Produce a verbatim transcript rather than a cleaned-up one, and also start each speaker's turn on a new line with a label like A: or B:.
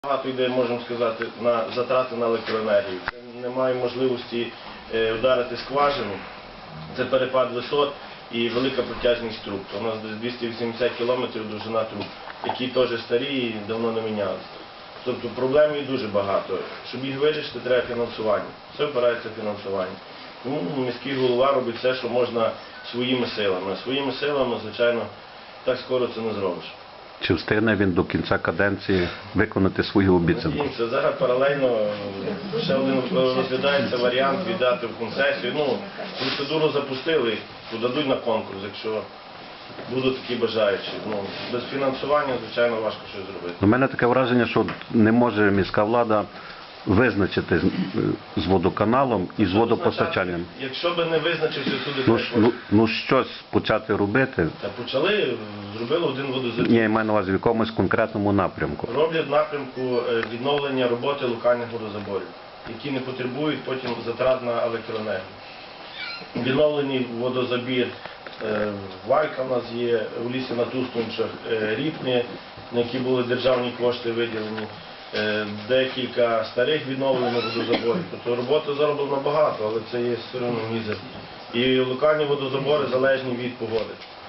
A: Багато йде, можемо сказати, на затрати на електроенергію. Немає можливості вдарити скважину, це перепад висот і велика протяжність труб. У нас десь двісті вісімдесят кілометрів довжина труб, які теж старі і давно не мінялися. Тобто проблем є дуже багато. Щоб їх вирішити, треба фінансування. Все впирається в фінансування. Тому міський голова робить все, що можна своїми силами. Своїми силами, звичайно, так скоро це не зробиш.
B: Чи встигне він до кінця каденції виконати свою обіцянку?
A: Це зараз паралельно ще один розглядається варіант віддати в концесію. Ну, процедуру запустили, подадуть на конкурс, якщо будуть такі бажаючі. Ну, без фінансування, звичайно, важко щось зробити.
B: У мене таке враження, що не може міська влада визначити з водоканалом і з водопостачанням.
A: Якщо б не визначився туди...
B: Ну, ну, ну щось почати робити.
A: Та почали, зробили один водозабір.
B: Ні, я маю на увазі в якомусь конкретному напрямку.
A: Роблять напрямку відновлення роботи локальних водозаборів, які не потребують потім затрат на електроенергію. Відновлений водозабір Валька в нас є, в лісі на Тустунчах, Ріпні, на які були державні кошти виділені. Декілька старих відновлених водозаборів. Тобто роботи зароблено багато, але це є все одно мізер. І локальні водозабори залежні від погоди.